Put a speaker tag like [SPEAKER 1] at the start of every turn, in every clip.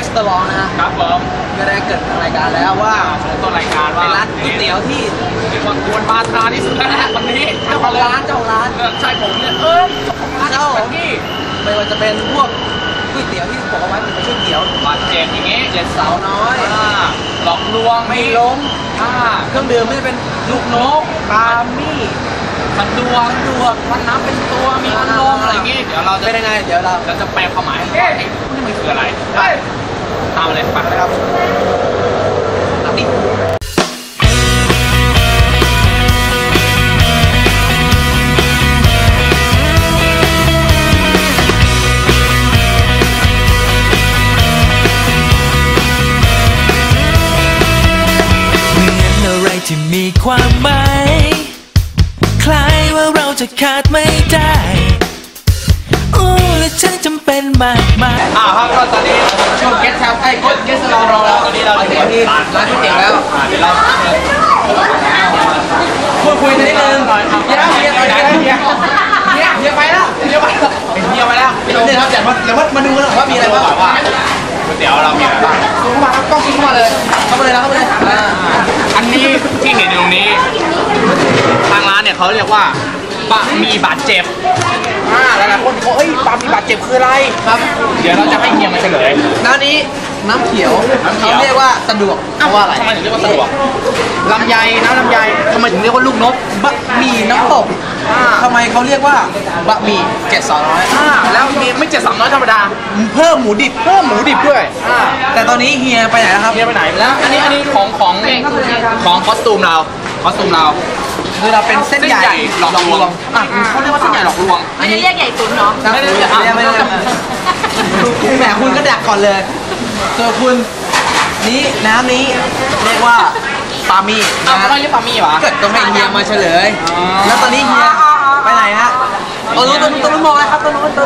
[SPEAKER 1] ตอรองนะครับ
[SPEAKER 2] ผม
[SPEAKER 1] ก็ได้เกิดรายการแล้วว่า
[SPEAKER 2] ต้นรายการว่า
[SPEAKER 1] ร้านก๋วยเตี๋ยวที่
[SPEAKER 2] เรียกว่าควรมาทานที่สุดแล้วนะวันนี้
[SPEAKER 1] เจ้าของร้าน
[SPEAKER 2] ใช่ผมเนี่ยเจ้าของร้านที่
[SPEAKER 1] ไม่ว่าจะเป็นพวกก๋วยเตี๋ยวที่บอกเอาไว้เป็นก๋วยเตี๋ยว
[SPEAKER 2] บาดเจ็บอย่างเงี้ย
[SPEAKER 1] เจ็ดสาวน้อย
[SPEAKER 2] หลอกลวง
[SPEAKER 1] ไม่ล้มเครื่องดื่มไม่จะเป็น
[SPEAKER 2] ลูกนกปามี่ขันดวงวันน้ำเป็นตัวมีอารมณ์อะไรอย่างงี้เดี๋ยวเราจะ
[SPEAKER 1] เป็นยังไงเดี๋ยวเรา
[SPEAKER 2] จะแปลความหมายให้นี่มันคืออะไรตามมาเลยปักนะครับตัดดิ
[SPEAKER 3] ที่มีความหมายคล้ายว่าเราจะขาดไม่ได้และฉันจำเป็นมากมาย
[SPEAKER 2] ครับก็ตอนนี้ช่วงเกสครับเกสเราตอนนี้เราถึงที่ร้านก๋วยเตี๋ยวแล้วเดี๋ยวเรา
[SPEAKER 1] พูดคุยนิดนึงเฮียไปแล้วเฮียไปแล้ว
[SPEAKER 2] เดี๋ยวครับ
[SPEAKER 1] แต่ว่ามาดูกันว่ามีอะไรบ้าง
[SPEAKER 2] ว่าก๋วยเตี๋ยวเรามีอะไรบ้าง
[SPEAKER 1] เข้ามาครับต้องกินเข้ามาเลย
[SPEAKER 2] อันนี้ที่เห็นอยู่ตรงนี้ทางร้านเนี่ยเขาเรียกว่าบะหมี่บาดเจ็บ
[SPEAKER 1] หลายๆคนบอกบะหมี่บาดเจ็บคืออะไร
[SPEAKER 2] ครับเดี๋ยวเราจะให้เฮียมาเฉลย
[SPEAKER 1] น้ำนี้น้ำเขียวเขาเรียกว่าสะดวกเพราะว่าอะไร
[SPEAKER 2] ทำไมถึงเรียกว่าสะดวก
[SPEAKER 1] ลำไยน้ำลำไยทำไมถึงเรียกว่าลูกนกบะหมี่น้ำตกทำไมเขาเรียกว่าบะหมี่7-200
[SPEAKER 2] แล้วมีไม่7-300ธรรมดา
[SPEAKER 1] เพิ่มหมูดิบด้วยแต่ตอนนี้เฮียไปไหนแล้วครับ
[SPEAKER 2] เฮียไปไหนแล้วอันนี้ของคอสตูมเรา
[SPEAKER 1] คือเราเป็นเส้นใหญ่
[SPEAKER 2] หลอกลวงเขาเรียกว่าเส้นใหญ่หลอกลวง
[SPEAKER 4] อันนี้เรียกใหญ่ตุ๋นเนาะ
[SPEAKER 1] ไม่ได้แหมคุณก็ดักก่อนเลยส่วนคุณนี้น้ำนี้เรียกว่าปามี่
[SPEAKER 2] ทำไมเรียกปามี่วะ
[SPEAKER 1] เกิดต้องให้เฮียมาเฉลยแล้วตอนนี้เฮียไปไหนฮะตัวนู้นมองอะไรครับตัวนู้น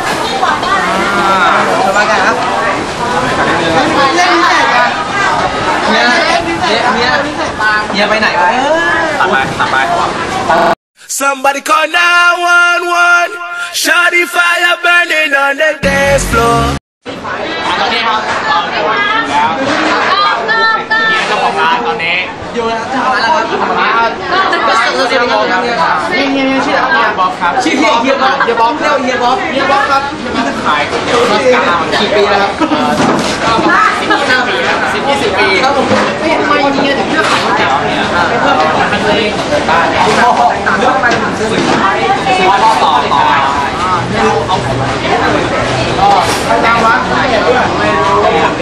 [SPEAKER 1] สบายกันครับเล่นแข่งกันเฮียไปไหนวะ
[SPEAKER 2] ตัดไป
[SPEAKER 3] Somebody call 911 Shawty fire burning on the dance floor
[SPEAKER 2] ตอนนี้ครับแล้วเจ้าของร้านตอนนี้
[SPEAKER 1] อยู่แล้วเจ้าของร้านแล้วครับ
[SPEAKER 2] ชื่อชื่อบ๊อบครับ
[SPEAKER 1] ชื่อเฮียบ๊อบเรียกเฮียบ๊อบครับ
[SPEAKER 2] ขายเดี๋ยวมา
[SPEAKER 1] กี่ปีแล้วครับ
[SPEAKER 2] ก็ประมาณ10-20 ปี
[SPEAKER 1] ครับผม
[SPEAKER 2] ทำไมเฮียถึงเลือกขายก๋วยเตี๋ยวเนี่ยเพิ่มเป็นเลยบ้านเนี่ยเลือกไปถึงซื้อต่อเอาก็ทางวัดให้เพื่อนไม่รู้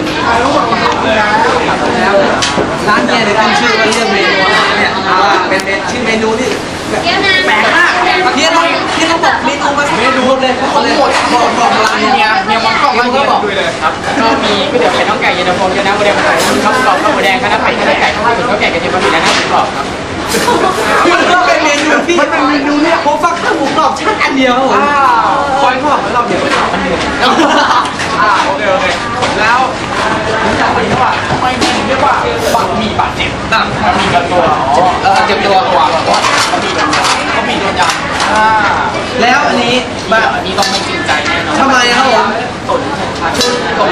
[SPEAKER 1] ร้านเนี่ยเดี๋ยวขึ้นชื่อว่าเรื่องเมนูเนี่ยเป็นชื่อเมนูที่แปลกมากเนี่ยต้องบอกเมนูมาเมนูเลยบอกร้าน
[SPEAKER 2] เนี่ยมันกล้องมาเนี่ยดูเลยครับก็มีก๋วยเตี๋ยวไข่น้องไก่เย็นตาโฟเย็นน้ำบะเดียวไข่ข้าวกรอบข้าวหมูแดงข้าวหน้าไข่ข้าวหน้าไก่ข้าวหมูข้าวแกงกระเทียมบะหมี่และน้ำหมูกรอบครับ
[SPEAKER 1] มันก็เป็นเมนูที่มันเป็นเมนูเนี่ยผมฟังข้าวหมูกรอบชั้นอันเดียวครับผมคอยทอดแล้วเราเดี๋ยวไปทำอันเดียว
[SPEAKER 2] โอเคแล้วผมอยากรู้ว่าทำไมถึงเรียกว่าบะหมี่บาดเจ็บนั่นบะหมี่กับตัว
[SPEAKER 1] เจ็บตัว
[SPEAKER 2] บะหมี่โดนยำ
[SPEAKER 1] แล้วอันนี้
[SPEAKER 2] อันนี้ต้องไม่จริงใจแน่นอน
[SPEAKER 1] ทำไมครับผม
[SPEAKER 2] ตุ๋นนะครับผม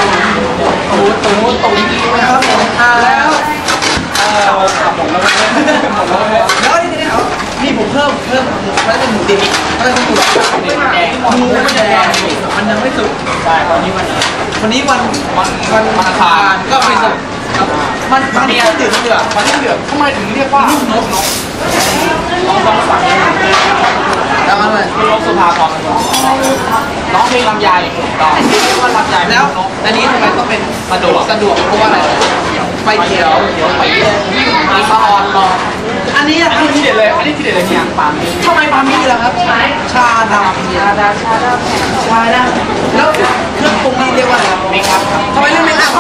[SPEAKER 1] แล้วนี่ผมเพิ่มแล้วเป็นหมูดิบแล้วเป็นหมูแดงมันยังไม่สุก
[SPEAKER 2] ใช่ตอนนี้
[SPEAKER 1] วันนี้วัน
[SPEAKER 2] อังคาร
[SPEAKER 1] ก็ไม่สุกมันนี่ก็ดื่มเดือด
[SPEAKER 2] ทำไมถึงเรียกว่าลูกนกต้องสั่ง
[SPEAKER 1] แล้วอะไร
[SPEAKER 2] นกสุภาพรร้องเพลงลำไยต่อเรียกว่าลำไย
[SPEAKER 1] แล้วอันนี้ทำไมต้องเป็นสะดวกเพราะว่าอะไรไฟเขียว
[SPEAKER 2] ไปวิ่งมีปลาออนรอ
[SPEAKER 1] อันนี้
[SPEAKER 2] ที่เด็ดเลยเนี่ยปามี่
[SPEAKER 1] ทำไมปามี่ล่ะครับชาดำแล้วเครื่องปรุงนี่เรียกว่าอะไร
[SPEAKER 2] เมคอัพ
[SPEAKER 1] ทำไมเรียกเมคอัพ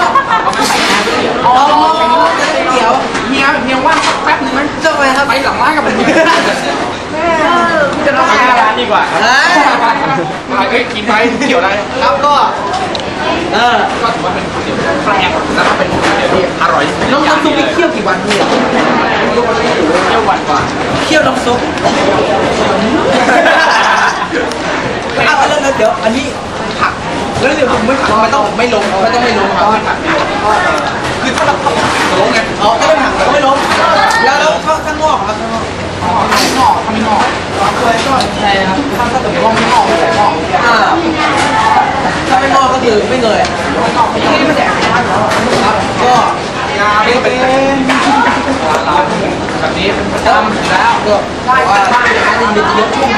[SPEAKER 1] เขียว
[SPEAKER 2] เฮียว่างแป๊บนึงไหม
[SPEAKER 1] เจ้าไปครับ
[SPEAKER 2] ไปหลังร้านกับผมจะต้องไปร้านดีกว่ากินไปเกี่ยวอะไร
[SPEAKER 1] ครับก็
[SPEAKER 2] ก็ถือว่าเป็นก๋วยเตี๋ยวแปลกแล้วก็เป็นก๋วยเตี๋ยวที่อร่อย
[SPEAKER 1] น้ำซุปนี่เคี่ยวกี่วันเนี่ย
[SPEAKER 2] เคี่ยววันกว่า
[SPEAKER 1] เคี่ยวน้ำซุปแล้วเดี๋ยวอันนี้ผักฮ้ยเดี๋ยวผมไม่ต้องไม่ล้มครับคือถ้าเราล้มไงอ๋อก็ไม่หักแต่ก็ไม่ล้มแล้วข้างนอกครับข้างนอกถ้าไม่งอกก็ใช่ครับถ้าเกิดงอกไม่งอกไม่ใส่งอกถ้าไม่งอกก็คือไม่เงยไม่งอกไม่แดกครับก็นี่เป็นแบบนี้ทำแล้วก็ได้ว่าถ้าเป็นการจะยกช่วง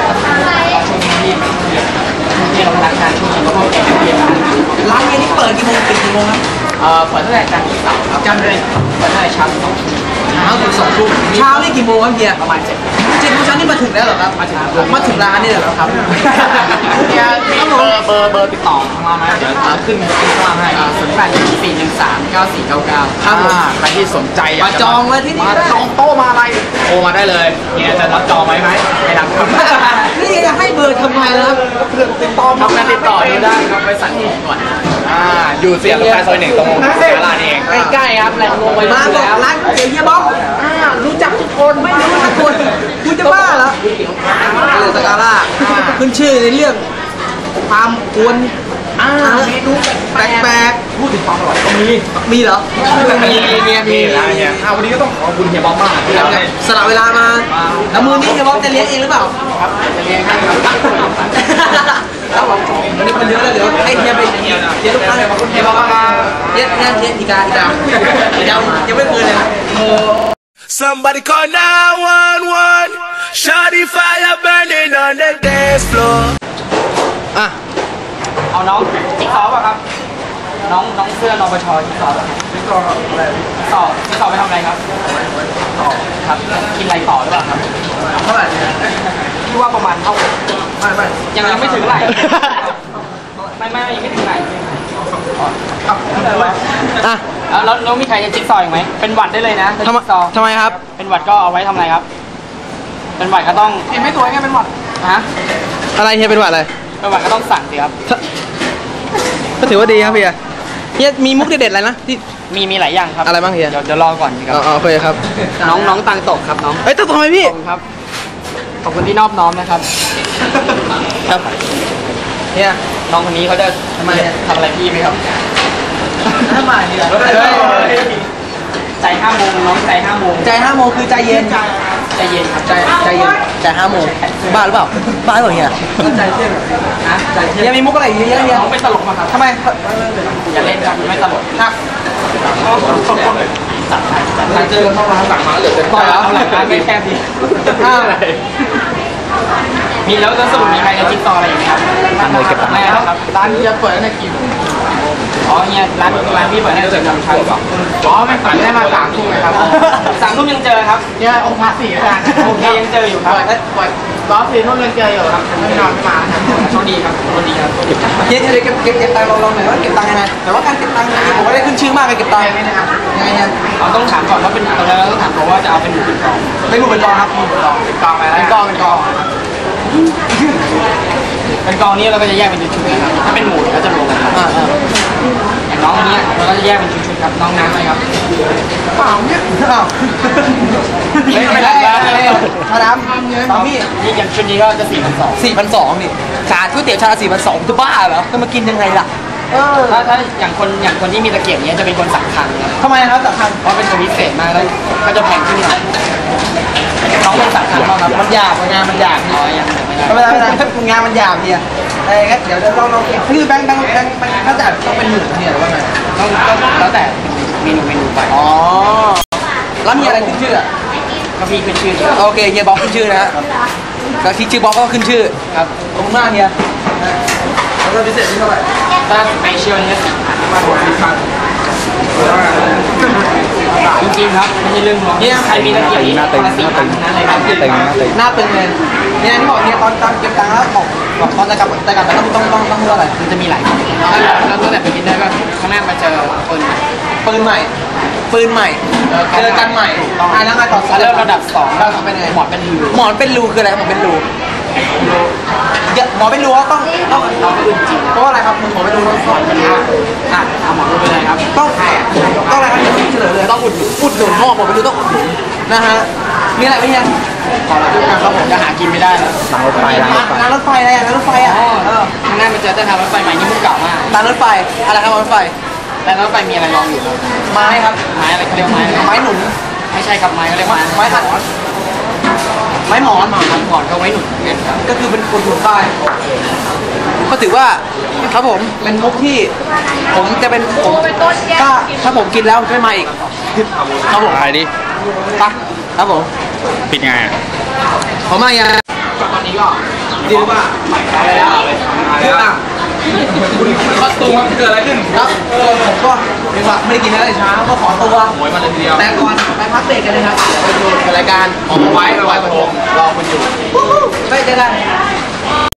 [SPEAKER 1] ที่เราทำงานช่วงก็เก็บเบียร์ร้านนี้เปิดกี่โมงปิดกี่โมงครับเปิดตั้งแต่จันทร์ถึงเสาร์ครับจันทร์เลยเปิดตั้งแต่เช้าถึง2 ทุ่มเช้านี่กี่โมงครับเฮียประมาณ7 โมงเช้านี่มาถึงแล้วเหรอครับมาถึงร้านนี่เหรอครับเฮียเบอร์ติดต่อของเราไหมเดี๋ยวขึ้นข้างล่างให้0814139499ครับใครที่สนใจมาจองเลยที่นี่จองโต๊ะมาอะไรโทรมาได้เลยเฮียจะรับจองไหมไม่รับครับนี่จะให้เบอร์ทำไมล่ะติดต่อทำงานติดต่อได้ครับไปสั่งของก่อนอยู่เสียงกาแฟซอย1ตรงศาลาเองใกล้ๆครับแหล่งลงไปมาบอกร้านเฮียบ๊อบรู้จักทุกคนไม่รู้ทุกคนคุณจะบ้าเหรอสกาล่าขึ้นชื่อในเรื่องความกวนเมนูแปลกๆพูดถึงความอร่อยก็มีเหรอมีวันนี้ก็ต้องขอบคุณเฮียบ๊อบมากสละเวลามาแล้วมือนี้เฮียบ๊อบจะเลี้ยงเองหรือเปล่าครับจะเลี้ยงให้ครับผมวันนี้คนเยอะแล้วเดี๋ยวให้เฮียไปเฮียทุกท่านเฮียบ๊อบมาเฮียอีกายังไม่เปิดเลย
[SPEAKER 3] Somebody call 911. Shawty fire burning on the dance floor.
[SPEAKER 2] เอาน้องจิ๊กซอว์ป่ะครับน้องเสื้อนปชจิ๊กซอว์อะไรจิ๊กซอว์ไปทำอะไรครับครับกินอะไรต่อหรือเปล่าครับเท่าไหร่ที่ว่าประมาณเท่าไม่ยังไม่ถึงไหลไม่ยังไม่ถึงไหลแล้วมีใครจะจิ๊กซอว์อีกไหมเป็นหวัดได้เลยนะทำไมครับเป็นหวัดก็เอาไว้ทำอะไรครับเป็นหวัดก็ต้องไม่ตัวไงเป็นหวัดฮะ
[SPEAKER 1] อะไรเฮียเป็นหวัดอะไร
[SPEAKER 2] เป็นหวัดก็ต้องสั่งสิครับ
[SPEAKER 1] ก็ถือว่าดีครับเฮียมีมุกเด็ดๆอะไรนะที่
[SPEAKER 2] มีหลายอย่างครับ
[SPEAKER 1] อะไรบ้างเฮีย
[SPEAKER 2] เดี๋ยวรอก่อนครับ
[SPEAKER 1] โอเคครับ
[SPEAKER 2] น้องตังตกครับน้อง
[SPEAKER 1] ตังทำไมพี่
[SPEAKER 2] ครับขอบคุณที่นอบน้อมนะครับครับ
[SPEAKER 1] เฮีย
[SPEAKER 2] น้องคนนี้เขาจะทำอะไรพี่ไหมครับ
[SPEAKER 1] ทำไมเนี่ย
[SPEAKER 2] ใจ5 โมงน้องใจ5 โมง
[SPEAKER 1] ใจ5 โมงคือใจเย็น
[SPEAKER 2] ครับใจเย็น
[SPEAKER 1] ใจ5 โมงบ้าหรือเปล่าเฮียใจเที่ยงใจเที่ยงมีมุกอะไรเยอะ
[SPEAKER 2] น้องไม่ตลกมาครับ
[SPEAKER 1] ทำไม
[SPEAKER 2] อย่าเล่นครับไม่ตลก
[SPEAKER 1] ครับเจอเข้าร้านสั่งมาเหลือจะ
[SPEAKER 2] ต่อยแล้วหลังร้านไม่แคบดีมีแล้วสรุปมีใครจะจิ๊กซอว์อะไรอย่างเงี้ยครับไม่ครับร้านจะเปิดในกี่อ๋อเนี่ยร้านพี่เปิดได้ถึง3 ทุ่มอ๋อไม่เปิดได้มา3 ทุ่มเลยครับ3 ทุ่มยังเจอครับเนี่ยองค์พระ4อาจารย์โอเคยังเจออยู่ครับรอบ4 ทุ่มยังเจออยู่ครับไม่นอนไม่มาโชคดีครับเก็บตังค์ลองหน่อยว่าเก็บตังค์ยังไงแต่ว่าการเก็บตังค์นี่ผมไม่ได้ขึ้นชื่อมากเลยเก็บตังค์ยังไงนะครับยังไงเนี่ยเราต้องถามก่อนว่าเป็นตอนแรกเราต้องถามก่อนว่าจะเอาเป็นหมูเป็นกองไม่หมูเป็นกองครับเป็นกองอะไรเป็นกองเป็นกองนี้เราก็จะแยกเป็นชุดๆนะครับถ้าเป็นหมูก็จะรวมกันครับอย่างน้องนี้เราก็จะแยกเป็นชุดๆครับน้องน้ำอะไรครับ
[SPEAKER 1] เปล่าเนี่ยไม่ได้น้ำพี่
[SPEAKER 2] นี่อย่างชุดนี้ก็จะ
[SPEAKER 1] 4,200นี่ชาก๋วยเตี๋ยวชา4,200จะบ้าเหรอจะมากินยังไงล่ะ
[SPEAKER 2] ถ้าอย่างคนที่มีตะเกียบนี้จะเป็นคนสั่งคันครับ
[SPEAKER 1] ทำไมครับสั่งคัน
[SPEAKER 2] เพราะเป็นคนพิเศษมากแล้วก็จะแพงขึ้นหน่อยน้องเป็นสั่งคันบ้างครับ
[SPEAKER 1] มันหยาบงานมันหยาบไม่เป็นไรงานมันหยาบเนี่ยเดี๋ยวเราคือแบงค์ถ้าจะต้องเป็นหมื่นเนี่ยหรือว่าไง
[SPEAKER 2] ต้องแล้วแต่เมนูไป
[SPEAKER 1] อ๋อแล้วมีอะไรขึ้นชื่อ
[SPEAKER 2] ก็มีขึ้นชื่อ
[SPEAKER 1] โอเคเฮียบ๊อบขึ้นชื่อนะฮะก็ที่ชื่อบ๊อบก็ขึ้นชื่อ
[SPEAKER 2] ครับ
[SPEAKER 1] ขอบคุณมากเฮียแล้วพิเศษที่เท่าไหร่
[SPEAKER 2] ถ้าสเปเชียลนี่4,000จริงๆครับไม่ใช่เรื่องลวงเนี่ยใครมีตะเกียบนี้หน้าตึงนั่นเลยครับหน้าตึง
[SPEAKER 1] เลยเนี่ยที่บอกเนี่ยตอนเก็บตังค์แล้วบอกตอนจะกลับต้องเท่าไหร่
[SPEAKER 2] มันจะมีหลายแล้วตั้งแต่เป็นดินเนอร์ก็ข้างหน้ามาเจอ
[SPEAKER 1] ปืนใหม่เจอกันใหม่แล้วมาต่อ
[SPEAKER 2] เริ่มระดับ2แล้วเป็นไงหมอนเป็นรู
[SPEAKER 1] คืออะไรหมอนเป็นรู
[SPEAKER 2] หมอไม่รู้ว่าต้องเพราะว่าอะไรครับหมอไม่รู้ต้องสอนกันนะ
[SPEAKER 1] หมอรู้ไปเลยครับ
[SPEAKER 2] ต้องอะไรครับเฉลยเลยต้องอุดหนุนพ่อหมอไม่รู้ต้องอุดหนุนนะฮะมีอะไรไหมเนี่ย
[SPEAKER 1] ขอรับทุกการครับผมจะหากินไม่ได้แล้ว
[SPEAKER 2] ร้านรถไฟอะไรร้านรถไฟ
[SPEAKER 1] ข้างหน้ามันเจอแต่ทางรถไฟใหม่นี่มันเก่ามาก
[SPEAKER 2] ร้านรถไฟอะไรครับรถไฟ
[SPEAKER 1] ร้านรถไฟมีอะไรรองอยู่
[SPEAKER 2] ไม้ครับ
[SPEAKER 1] ไม้อะไรเขาเรียกไม้
[SPEAKER 2] หนุน
[SPEAKER 1] ไม่ใช่ครับไม้เขาเรียกไม้
[SPEAKER 2] ขัดไม้หมอน
[SPEAKER 1] ก็ไว้หนุนกันครับ
[SPEAKER 2] ก็คือเป็นคนหนุนป้ายก็ถือว่าครับผมเป็นมุกที่ผมจะเป็นผมถ้าผมกินแล้วไม่มาอีกครับผม
[SPEAKER 4] อะไรดิ
[SPEAKER 2] ปะครับผม
[SPEAKER 4] ปิดไง
[SPEAKER 2] ผมมาอย่าง
[SPEAKER 1] ตอนนี้ก็
[SPEAKER 2] ดีว่า
[SPEAKER 1] อะไรแล้ว
[SPEAKER 2] คอตัวเกิดอะไรขึ้นครับผมก็เรียกว่าไม่ได้กินอะไรเช้าก็ขอตัว
[SPEAKER 1] หวยมาเลยทีเดียว
[SPEAKER 2] แต่ก่อนไปพักเบรกกันนะครับ
[SPEAKER 1] ไปดูรายการของไว้ประทงรอคุณอยู่
[SPEAKER 2] ไม่เจอกัน